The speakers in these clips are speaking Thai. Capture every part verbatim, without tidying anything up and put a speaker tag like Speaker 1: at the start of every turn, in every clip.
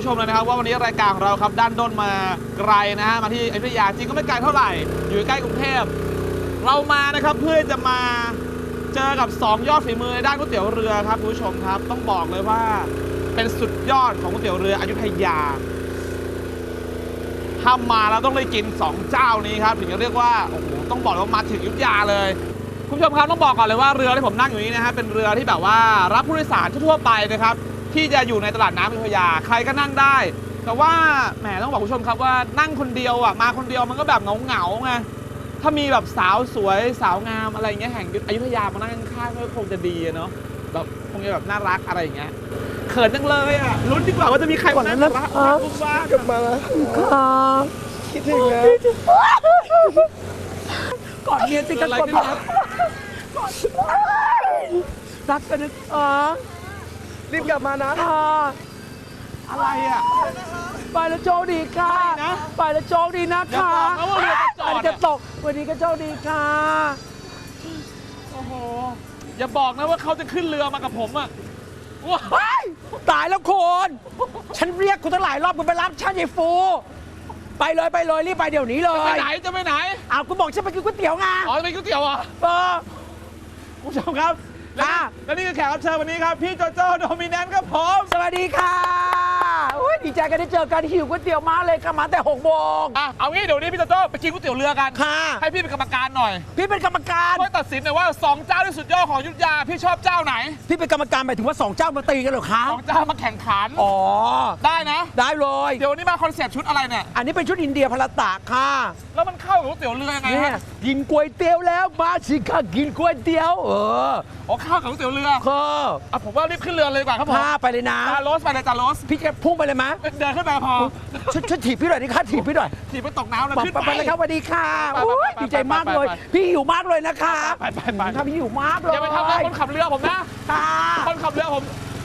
Speaker 1: ผู้ชมเลยนะครับว่าวันนี้รายการของเราครับด้านด้นมาไกลนะฮะมาที่อยุธยาจริงก็ไม่ไกลเท่าไหร่อยู่ใกล้กรุงเทพเรามานะครับเพื่อจะมาเจอกับสองยอดฝีมือในด้านก๋วยเตี๋ยวเรือครับผู้ชมครับต้องบอกเลยว่าเป็นสุดยอดของก๋วยเตี๋ยวเรืออยุธยาถ้ามาแล้วต้องได้กินสองเจ้านี้ครับถึงจะเรียกว่าโอ้โหต้องบอกว่ามาถึงอยุธยาเลยคุณผู้ชมครับต้องบอกก่อนเลยว่าเรือที่ผมนั่งอยู่นี้นะฮะเป็นเรือที่แบบว่ารับผู้โดยสารทั่วไปนะครับที่จะอยู่ในตลาดน้ำอยุธยาใครก็นั่งได้แต่ว่าแหมต้องบอกคุณผู้ชมครับว่านั่งคนเดียวอ่ะมาคนเดียวมันก็แบบเหงาๆไงถ้ามีแบบสาวสวยสาวงามอะไรอย่างเงี้ยแห่งอยุธยามานั่งข้างๆก็คงจะดีเนาะแบบคงจะแบบน่ารักอะไรอย่างเงี้ยเขินจังเลยอ่ะลุ้นดีกว่าว่าจะมีใครมานั่งรักบุ้มบ้ากลับมาแล้วครับคิดถึงนะ
Speaker 2: ก่อนเมียสิกันก่อนรักกันนะอ๋อ
Speaker 1: รีบกลับมานะอะไรอ่ะ
Speaker 2: ไปแล้วโชคดีค่ะไปแล้วโชคดีนะคะอันจะตกวันนี้ก็โชคดีค่ะ
Speaker 1: โอ้โหอย่าบอกนะว่าเขาจะขึ้นเรือมากับผมอ่ะ
Speaker 2: ว้ายตายแล้วคุณฉันเรียกคุณตั้งหลายรอบคุณไปรับฉันยายฟูไปเลยไปเลยรีบไปเดี๋ยวนี้เลย
Speaker 1: ไปไหนจะไปไหน
Speaker 2: อ้าวคุณบอกฉันไปกินก๋วยเตี๋ยวไง
Speaker 1: อ๋อไปกินก๋วยเตี๋ยวอ่ะ
Speaker 2: เออ
Speaker 1: คุณผู้ชมครับและนี่คือแขกรับเชิญวันนี้ครับพี่โจโจ้โดมิแนนต์ครับผม
Speaker 2: สวัสดีค่ะดีใจกันได้เจอกันหิวก๋วยเตี๋ยวมาเลยค่ะมาแต่หกโมง
Speaker 1: อ่ะเอางี้เดี๋ยวนี้พี่โจโจ้ไปกินก๋วยเตี๋ยวเรือกัน
Speaker 2: ค่ะ
Speaker 1: ให้พี่เป็นกรรมการหน่อย
Speaker 2: พี่เป็นกรรมการ
Speaker 1: ช่วยตัดสินหน่อยว่าสองเจ้าที่สุดยอดของอยุธยาพี่ชอบเจ้าไหน
Speaker 2: พี่เป็นกรรมการหมายถึงว่าสองเจ้ามาตีกันเหรอคะ
Speaker 1: สองเจ้ามาแข่งขัน
Speaker 2: อ๋อ
Speaker 1: ได้นะ
Speaker 2: ได้เลย
Speaker 1: เดี๋ยวนี้มาคอนเซ็ปต์ชุดอะไรเนี่ย
Speaker 2: อันนี้เป็นชุดอินเดียพลตะค่ะ
Speaker 1: แล้วมันเข้ากับก๋วยเตี๋ยวเรือยังไงฮะ
Speaker 2: กินก๋วยเตี๋ยวแล้วมาสิค่ะกินก๋วยเตี๋ยวเออ
Speaker 1: อ๋อเข้ากับก๋วยเตี๋ยวเรือ
Speaker 2: ค่ะ
Speaker 1: อ่ะผมว่ารีบขึ้นเรือเลยดีกว่าครับผม
Speaker 2: ไปเลยนะ
Speaker 1: จาโรสไปเลยจาโรส
Speaker 2: พี่จะพุ่งไปเลยมั้ย
Speaker 1: เดินขึ้นไปพอ
Speaker 2: ช่วยถีบพี่หน่อยดิค่ะถีบพี่หน่อย
Speaker 1: ถีบไปตกน้ำแล้วขึ้น
Speaker 2: ไปเลยครับสวัสดีค่ะดีใจมากเลยพี่หิวมากเลยนะคะ
Speaker 1: ไปไปไป
Speaker 2: ถ้าพี่หิวมากเลย
Speaker 1: อย่าไปทำร้ายคนขับเรือผมนะคนขับเรือผม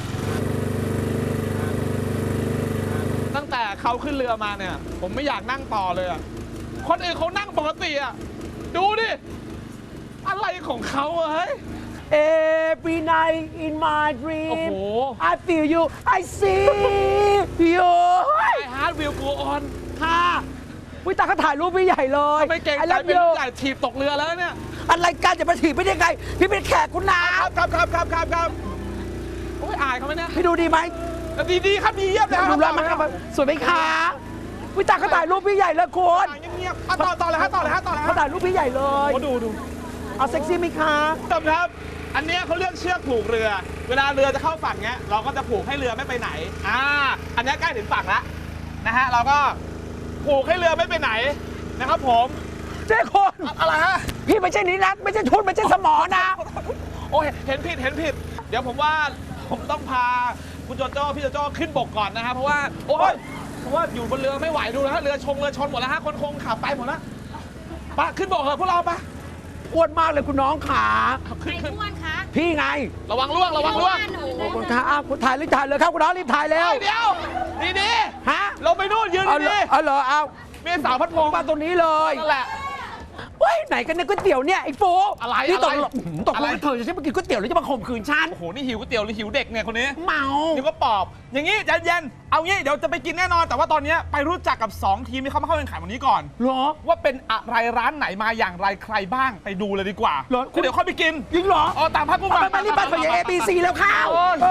Speaker 1: ตั้งแต่เขาขึ้นเรือมาเนี่ยผมไม่อยากนั่งต่อเลยอ่ะคนอื่นเขานั่งปกติอ่ะดูดิอะไรของเขาเฮ้ย
Speaker 2: Every night in my dream
Speaker 1: โอ้โห
Speaker 2: I feel you I see you
Speaker 1: My heart will go on
Speaker 2: ค่ะวิตาเขาถ่ายรูปพี่ใหญ่เลย
Speaker 1: ไม่เก่งใจเป็นใหญ่ถีบตกเรือแล้วเนี่ย
Speaker 2: อะไรกันจะมาถีบไปได้ไงพี่เป็นแขกคุณนา
Speaker 1: ครับครับครับครับครับโอ้ยอายเขาไหมเนี่ย
Speaker 2: พี่ดูดีไหม
Speaker 1: ดีดีครับดีเยี่ยมเลย
Speaker 2: ดูแลมันครับสวยไหมคะวิตาเขาถ่ายรูปพี่ใหญ่เลยคุณ
Speaker 1: เงียบๆต่อต่อเลยฮะต่อเลยฮะต่อเลย
Speaker 2: เขาถ่ายรูปพี่ใหญ่เลย
Speaker 1: ดูดู
Speaker 2: เอาเซ็กซี่ไหมคะ
Speaker 1: จำครับอันนี้เขาเลือกเชือกผูกเรือเวลาเรือจะเข้าฝั่งเนี้ยเราก็จะผูกให้เรือไม่ไปไหนอ่าอันนี้ใกล้ถึงฝั่งแล้วนะฮะเราก็ผูกให้เรือไม่ไปไหนนะครับผม
Speaker 2: เจ้าคน
Speaker 1: อะไรฮะ
Speaker 2: พี่ไม่ใช่นิรัตไม่ใช่ทุนไม่ใช่สมอนะ
Speaker 1: โอ้ยเห็นผิดเห็นผิดเดี๋ยวผมว่าผมต้องพาคุณโจโจ้พี่โจโจ้ขึ้นบกก่อนนะฮะเพราะว่าโอ้ยเพราะว่าอยู่บนเรือไม่ไหวดูนะฮะเรือชงเรือชนหมดแล้วฮะคนคงขับไปหมดแล้วปะขึ้นบกเถอะพวกเราปะ
Speaker 2: อ้วนมากเลยคุณน้องขา
Speaker 3: ใครอ้วนคะ
Speaker 2: พี่ไง
Speaker 1: ระวังล่วงระวังล่วง
Speaker 2: คุณขาอ้าวคุณถ่ายรีบถ่ายเลยครับคุณน้องรีบถ่ายเร็ว
Speaker 1: เดี๋ยวดีดี
Speaker 2: ฮะ
Speaker 1: ลงไปนู่นยืนดี
Speaker 2: เอาเหรอเอา
Speaker 1: มีสาวพัดพง
Speaker 2: มาตรงนี้เลย
Speaker 1: นั่นแหละ
Speaker 2: เฮ้ยไหนกันเนี่ยก๋วยเตี๋ยวเนี่ยไอ้โฟ
Speaker 1: อะไร
Speaker 2: นี่ตกตกลงเธอจะใช่มากินก๋วยเตี๋ยวหรือจะมาข่มขืนฉัน
Speaker 1: โอ้โหนี่หิวก๋วยเตี๋ยวหรือหิวเด็กเนี่ยคนนี้
Speaker 2: เมา
Speaker 1: นี่ก็ปอบอย่างงี้ใจเย็นเอางี้เดี๋ยวจะไปกินแน่นอนแต่ว่าตอนนี้ไปรู้จักกับสองทีมที่เขามาเข้าแข่งขันวันนี้ก่อน
Speaker 2: เหรอ
Speaker 1: ว่าเป็นอะไรร้านไหนมาอย่างไรใครบ้างไปดูเลยดีกว่า
Speaker 2: เหรอ
Speaker 1: เดี๋ยวค่อยไปกิน
Speaker 2: ยิงเหรอ
Speaker 1: อ๋อตามภาพกูมา
Speaker 2: ไปรีบไปขอเอบีซีแล้วข้าว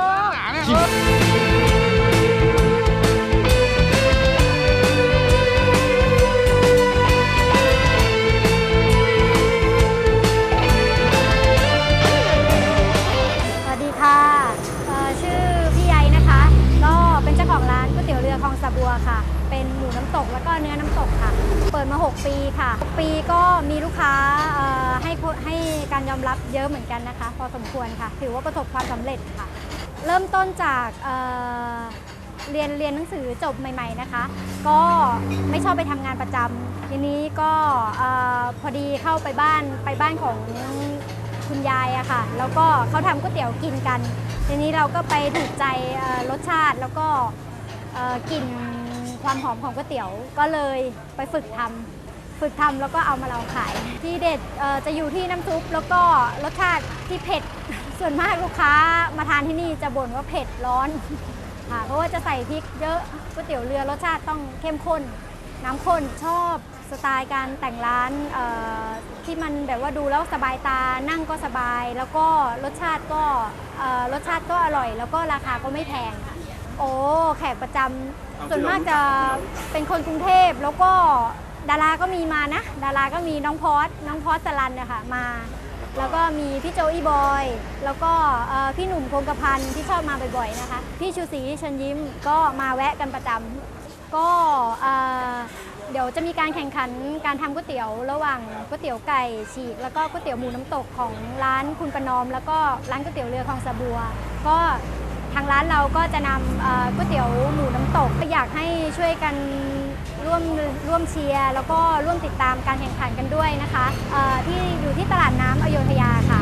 Speaker 3: คลองสะบัวค่ะเป็นหมูน้ำตกแล้วก็เนื้อน้ำตกค่ะเปิดมาหกปีค่ะปีก็มีลูกค้าให้ให้การยอมรับเยอะเหมือนกันนะคะพอสมควรค่ะถือว่าประสบความสำเร็จค่ะเริ่มต้นจากเเรียนเรียนหนังสือจบใหม่ๆนะคะก็ไม่ชอบไปทำงานประจำทีนี้ก็พอดีเข้าไปบ้านไปบ้านของคุณยายอะค่ะแล้วก็เขาทำก๋วยเตี๋ยวกินกันทีนี้เราก็ไปถูกใจรสชาติแล้วก็กลิ่นความหอมของก๋วยเตี๋ยวก็เลยไปฝึกทำฝึกทำแล้วก็เอามาลองขายที่เด็ดจะอยู่ที่น้ำซุปแล้วก็รสชาติที่เผ็ดส่วนมากลูกค้ามาทานที่นี่จะบ่นว่าเผ็ดร้อนค่ะ เพราะว่าจะใส่พริกเยอะก๋วยเตี๋ยวเรือรสชาติต้องเข้มข้นน้ำข้นชอบสไตล์การแต่งร้านที่มันแบบว่าดูแล้วสบายตานั่งก็สบายแล้วก็รสชาติก็รสชาติก็อร่อยแล้วก็ราคาก็ไม่แพงค่ะโอ้แขกประจำส่วนมากจะเป็นคนกรุงเทพแล้วก็ดาราก็มีมานะดาราก็มีน้องพอสน้องพอสสลันนะคะมาแล้วก็มีพี่โจอี้บอยแล้วก็พี่หนุ่มคงกระพันที่ชอบมาบ่อยๆนะคะพี่ชูศรีเชิญยิ้มก็มาแวะกันประจำก็เดี๋ยวจะมีการแข่งขันการทำก๋วยเตี๋ยวระหว่างก๋วยเตี๋ยวไก่ฉีกแล้วก็ก๋วยเตี๋ยวหมูน้ำตกของร้านคุณประนอมแล้วก็ร้านก๋วยเตี๋ยวเรือคลองสะบัวก็ทางร้านเราก็จะนำก๋วยเตี๋ยวหมูน้ำตกอยากให้ช่วยกันร่วมร่วมเชียร์แล้วก็ร่วมติดตามการแข่งขันกันด้วยนะคะที่อยู่ที่ตลาดน้ำอโยธยาค่ะ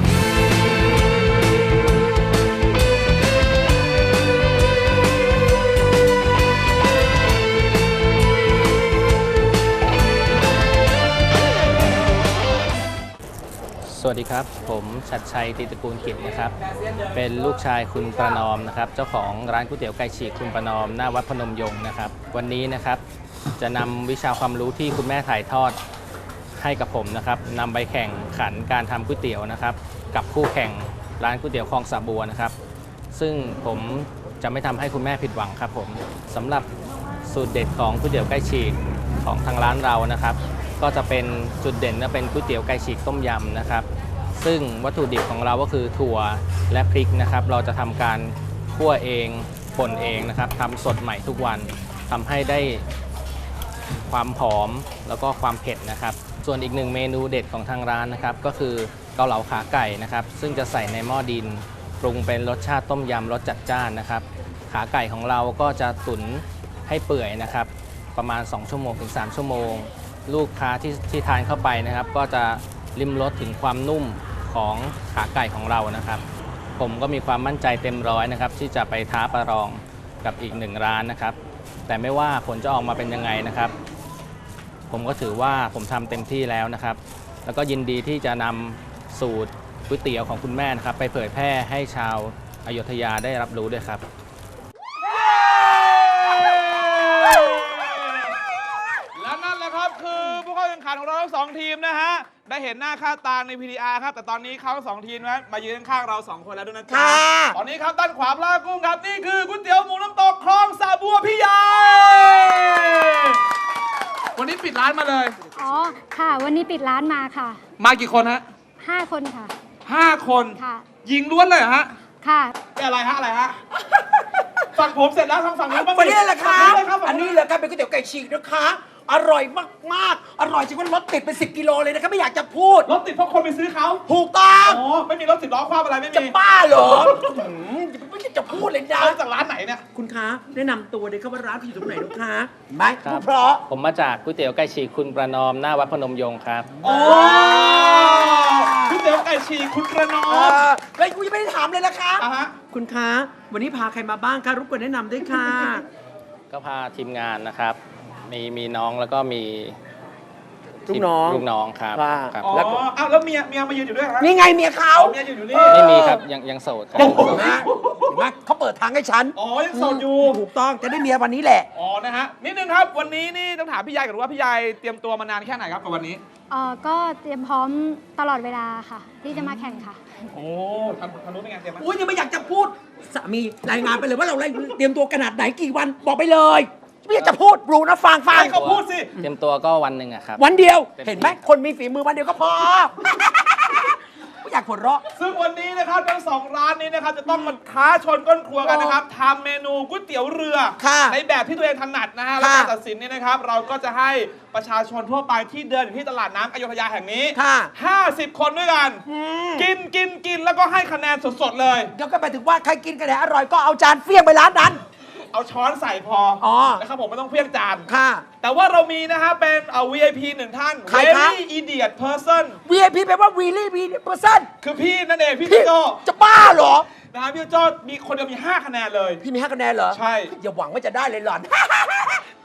Speaker 4: สวัสดีครับผมชัดชัยตรีตระกูลกิจนะครับเป็นลูกชายคุณประนอมนะครับเจ้าของร้านก๋วยเตี๋ยวไก่ฉีกคุณประนอมหน้าวัดพนมยงค์นะครับวันนี้นะครับจะนำวิชาความรู้ที่คุณแม่ถ่ายทอดให้กับผมนะครับนำไปแข่งขันการทำก๋วยเตี๋ยวนะครับกับคู่แข่งร้านก๋วยเตี๋ยวคลองสะบัวนะครับซึ่งผมจะไม่ทำให้คุณแม่ผิดหวังครับผมสำหรับสูตรเด็ดของก๋วยเตี๋ยวไก่ฉีกของทางร้านเรานะครับก็จะเป็นจุดเด่นและเป็นก๋วยเตี๋ยวไก่ฉีกต้มยำนะครับซึ่งวัตถุดิบของเราก็คือถั่วและพริกนะครับเราจะทำการคั่วเองป่นเองนะครับทำสดใหม่ทุกวันทำให้ได้ความหอมแล้วก็ความเผ็ดนะครับส่วนอีกหนึ่งเมนูเด็ดของทางร้านนะครับก็คือเกาเหลาขาไก่นะครับซึ่งจะใส่ในหม้อดินปรุงเป็นรสชาติต้มยำรสจัดจ้านนะครับขาไก่ของเราก็จะตุ๋นให้เปื่อยนะครับประมาณสองชั่วโมงถึงสามชั่วโมงลูกค้าที่ที่ทานเข้าไปนะครับก็จะลิ้มรสถึงความนุ่มของขาไก่ของเรานะครับผมก็มีความมั่นใจเต็มร้อยนะครับที่จะไปท้าประลองกับอีกหนึ่งร้านนะครับแต่ไม่ว่าผลจะออกมาเป็นยังไงนะครับผมก็ถือว่าผมทำเต็มที่แล้วนะครับแล้วก็ยินดีที่จะนำสูตรก๋วยเตี๋ยวของคุณแม่นะครับไปเผยแพร่ให้ชาวอโยธยาได้รับรู้ด้วยครับ
Speaker 1: และนั่นแหละครับคือผู้เข้าแข่งขันของเราทั้งสองทีมนะฮะได้เห็นหน้าค่าตาใน พี ดี อาร์ ครับแต่ตอนนี้เขาทั้งสองทีมนะมายืนข้างเราสองคนแล้วด้วยนะครั
Speaker 2: ค่ะ
Speaker 1: ตอนนี้ครับด้านขวาปลากุ้งครับนี่คือก๋วยเตี๋ยวหมูน้ำตกคลองสะบัวพี่ใหญ่วันนี้ปิดร้านมาเลย
Speaker 3: อ๋อค่ะวันนี้ปิดร้านมาค่ะ
Speaker 1: มากี่คนฮะ
Speaker 3: ห้าคนค่ะ
Speaker 1: ห้าคน
Speaker 3: ค่ะ
Speaker 1: ยิงล้วนเลยเหรอฮะ
Speaker 3: ค่ะ
Speaker 1: อะไรฮะอะไรฮะฝั่งผมเสร็จแล้วทางฝั่งนู้นบ้าง
Speaker 2: วันนี้แหละครับ
Speaker 1: ฝั่งนู้นเลยครับฝั่
Speaker 2: อั
Speaker 1: ง
Speaker 2: น
Speaker 1: นู้
Speaker 2: นี้
Speaker 1: น
Speaker 2: แหละครับเป็นก๋วยเตี๋ยวไก่ฉีกนะคะอร่อยมากๆอร่อยจริงว่ารถติดเป็นสิบกิโลเลยนะครับไม่อยากจะพูด
Speaker 1: รถติดเพราะคนไปซื้อเขา
Speaker 2: ถูกต้อง
Speaker 1: อ๋อไม่มีรถสิบล้อคว้าอะไรไม่
Speaker 2: จะ
Speaker 1: มี
Speaker 2: บ้าเหรอหืมไม่อยากจะพูดเลยนะ
Speaker 1: เอาจากร้านไหนเนี่ย
Speaker 2: คุณคะแนะนำตัวเลยครับว่าร้านคุณอยู่ตรงไหนลูกค้าไหม
Speaker 4: ครับ
Speaker 2: พูดเพราะ
Speaker 4: ผมมาจากก๋วยเตี๋ยวไก่ฉีกคุณประนอมหน้าวัดพนมยงค์ครับ
Speaker 1: โอ้ก๋วยเตี๋ยวไก่ฉีกคุณประนอ
Speaker 2: เอ
Speaker 1: ม
Speaker 2: อแล้วกูยังไม่ได้ถามเลยนะคะ
Speaker 1: อ่ะฮะ
Speaker 2: คุณคะวันนี้พาใครมาบ้างคะรบกวนแนะนำด้วยค่ะ
Speaker 4: ก็พาทีมงานนะครับ มีมีน้องแล้วก็มี
Speaker 2: ลูกน้อง
Speaker 4: ลูกน้องครับ
Speaker 2: ว่า
Speaker 4: ครับ
Speaker 1: อ๋อ
Speaker 2: แล้วก็
Speaker 1: อ้าวแล้วเมียเมียมายืนอยู่ด้วยเหรอฮะ
Speaker 2: นี่ไงเมียเขา
Speaker 1: เอาเมียอยู่อยู่นี่
Speaker 4: ไม่มีครับยังยังโสดครับ
Speaker 2: โอ้โหเห็นไหมเห็นไหมเขาเปิดทางให้ฉัน
Speaker 1: อ๋อยังโสดอยู่
Speaker 2: ถูกต้องจะได้เมียวันนี้แหละ
Speaker 1: อ๋อนะฮะนิดนึงครับวันนี้นี่ต้องถามพี่ยายก่อนว่าพี่ยายเตรียมตัวมานานแค่ไหนครับกับวันนี้
Speaker 3: เอ่อก็เตรียมพร้อมตลอดเวลาค่ะ ที่จะมาแข่งค่ะ
Speaker 1: โอ้ทำทำรู้เป็นไงเตรียมไหม
Speaker 2: อุ้ยยังไม่อยากจะพูดสามีรายงานไปเลยว่าเราเตรียมตัวขนาดไหนกี่วันบอกไปเลยไม่อยากจะพูดรู้นะฟังฟัง
Speaker 1: ให้เขาพูดสิ
Speaker 4: เตรียมตัวก็วันหนึ่งอะครับ
Speaker 2: วันเดียว
Speaker 4: เต็มที่
Speaker 2: เห็นไหมคนมีฝีมือวันเดียวก็พอ ไม่อยากหัวเราะ
Speaker 1: ซึ่งวันนี้นะครับทั้งสองร้านนี้นะครับจะต้องมาท้าชนก้นครัวกันนะครับทำเมนูก๋วยเตี๋ยวเรือ
Speaker 2: ค่ะ
Speaker 1: ในแบบที่ตัวเองถนัดนะฮะและ
Speaker 2: ค่ะ
Speaker 1: การตัดสินนี่นะครับ เราก็จะให้ประชาชนทั่วไปที่เดินอยู่ที่ตลาดน้ำอโยธยาแห่งนี้
Speaker 2: ค่ะ
Speaker 1: ห้าสิบคนด้วยกัน
Speaker 2: อืม
Speaker 1: กินกินกินแล้วก็ให้คะแนนสดๆเลย
Speaker 2: เดี๋ยวก็ไปถึงว่าใครกินกันไหนอร่อยก็เอาจานเฟี้ยงไปร้านนั้น
Speaker 1: เอาช้อนใส่พออ
Speaker 2: อ
Speaker 1: นะครับผมไม่ต้องเพี้ยงจาน
Speaker 2: ค่ะ
Speaker 1: แต่ว่าเรามีนะฮะเป็นเอ่อ วี ไอ พี หนึ่งท่าน
Speaker 2: ใครคะ
Speaker 1: Very Idiot Person
Speaker 2: วี ไอ พี แปลว่า really be person
Speaker 1: คือพี่นั่นเองพี่
Speaker 2: พี่
Speaker 1: โจ
Speaker 2: จะบ้าเหรอ
Speaker 1: นะฮะพี่โจมีคนเดียวมีห้าคะแนนเลย
Speaker 2: พี่มีห้าคะแนนเหรอ
Speaker 1: ใช่
Speaker 2: อย่าหวังว่าจะได้เลยหล่อน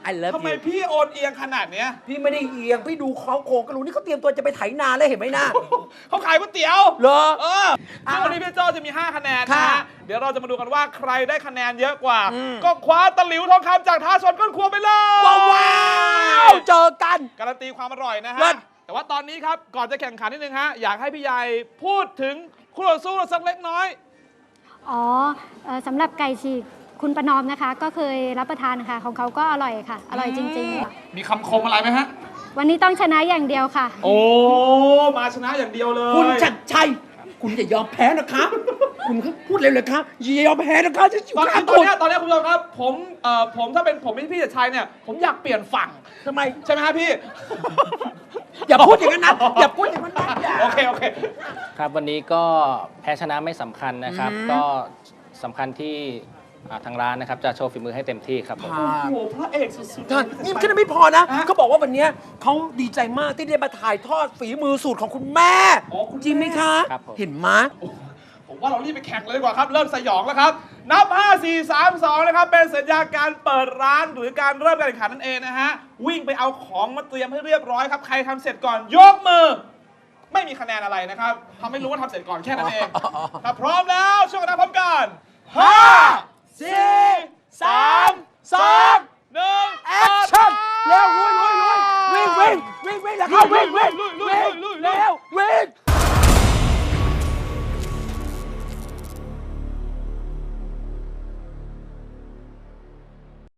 Speaker 2: I love
Speaker 1: ทำไม
Speaker 2: you
Speaker 1: พี่โอนเอียงขนาดเนี้ย
Speaker 2: พี่ไม่ได้เอียง พี่ดูเขาโครงก็รู้นี่เขาเตรียมตัวจะไปไถนาแล้วเห็นไหมนะ
Speaker 1: เขาขายก๋วยเตี๋ยว
Speaker 2: เหรอ
Speaker 1: เออซึ่งวันนี้พี่โจ้จะมี ห้า คะแนนนะ
Speaker 2: ค่ะ
Speaker 1: ฮะเดี๋ยวเราจะมาดูกันว่าใครได้คะแนนเยอะกว่า
Speaker 2: อืม
Speaker 1: ก็คว้าตะหลิวทองคำจากท้าชนก้นครัวไปเลย
Speaker 2: ว้าวว้าวเจอกัน
Speaker 1: การันตีความอร่อยนะ
Speaker 2: เลิ
Speaker 1: ฮะ
Speaker 2: ศ
Speaker 1: แต่ว่าตอนนี้ครับ ก่อนจะแข่งขันนิดนึงฮะ อยากให้พี่ใหญ่พูดถึงคู่ต่อสู้เราสักเล็กน้อย
Speaker 3: อ๋อเอ่อสำหรับไก่ฉีกคุณประนอมนะคะ ก็เคยรับประทานค่ะ ของเขาก็อร่อยค่ะ อร่อยจริงๆค่ะ
Speaker 1: มีคำคมอะไรไหมฮะ
Speaker 3: วันนี้ต้องชนะอย่างเดียวค่ะ
Speaker 1: โอ้ มาชนะอย่างเดียวเลย
Speaker 2: คุณชัดชัย คุณอย่ายอมแพ้นะคะคุณพูดเร็วเลยครับอย่ายอมแพ้นะคะจะอยู่
Speaker 1: ตอน
Speaker 2: ข้า
Speaker 1: นี้
Speaker 2: ง
Speaker 1: ตอน
Speaker 2: คุณ
Speaker 1: เนี้ยตอนเนี้ยคุณผู้ชมครับ ผมเอ่อผมถ้าเป็นผมเป็นพี่จัดชัยเนี่ย ผมอยากเปลี่ยนฝั่ง
Speaker 2: ทำไม
Speaker 1: ใช่ไหมฮะพี่
Speaker 2: อย่าพูดอย่างนั้นนะอย่าพูดอย่างนั้นนะอย่า
Speaker 1: โอเค โอเค
Speaker 4: ครับวันนี้ก็แพ้ชนะไม่สำคัญนะครับ
Speaker 2: อืม
Speaker 4: ก็สำคัญที่อ่าทางร้านนะครับจะโชว์ฝีมือให้เต็มที่ครับผม
Speaker 1: โอ้โห พระเอกสุดๆ
Speaker 2: ท่านนี่แค่นั้นไม่พอนะ
Speaker 1: ฮะ
Speaker 2: เขาบอกว่าวันเนี้ยเขาดีใจมากที่ได้มาถ่ายทอดฝีมือสูตรของคุณแม่
Speaker 1: อ๋อคุณแม่
Speaker 2: จริงไหมคะ
Speaker 4: ครับผม
Speaker 2: เห็นไหม
Speaker 1: ผมว่าเรารีบไปแข่งเลยดีกว่าครับ เริ่มสยองแล้วครับ นับ ห้า สี่ สาม สอง นะครับ เป็นสัญญาการเปิดร้านหรือการเริ่มการแข่งขันนั่นเองนะฮะ วิ่งไปเอาของมาเตรียมให้เรียบร้อยครับ ใครทำเสร็จก่อนยกมือ ไม่มีคะแนนอะไรนะครับทำให้รู้ว่าทำเสร็จก่อนแค่นั้นเอง
Speaker 2: อ๋ออ๋ออ๋อ
Speaker 1: ถ้าพร้อมแล้วช่วยกันนับพร้อมกันห้า
Speaker 2: สี่
Speaker 1: สามสองหนึ่ง
Speaker 2: แอคชั่นเร็วลุยลุยลุยวิ่งวิ่งวิ่งวิ่งแล้วเข้าวิ่งวิ่ง
Speaker 1: ลุยลุย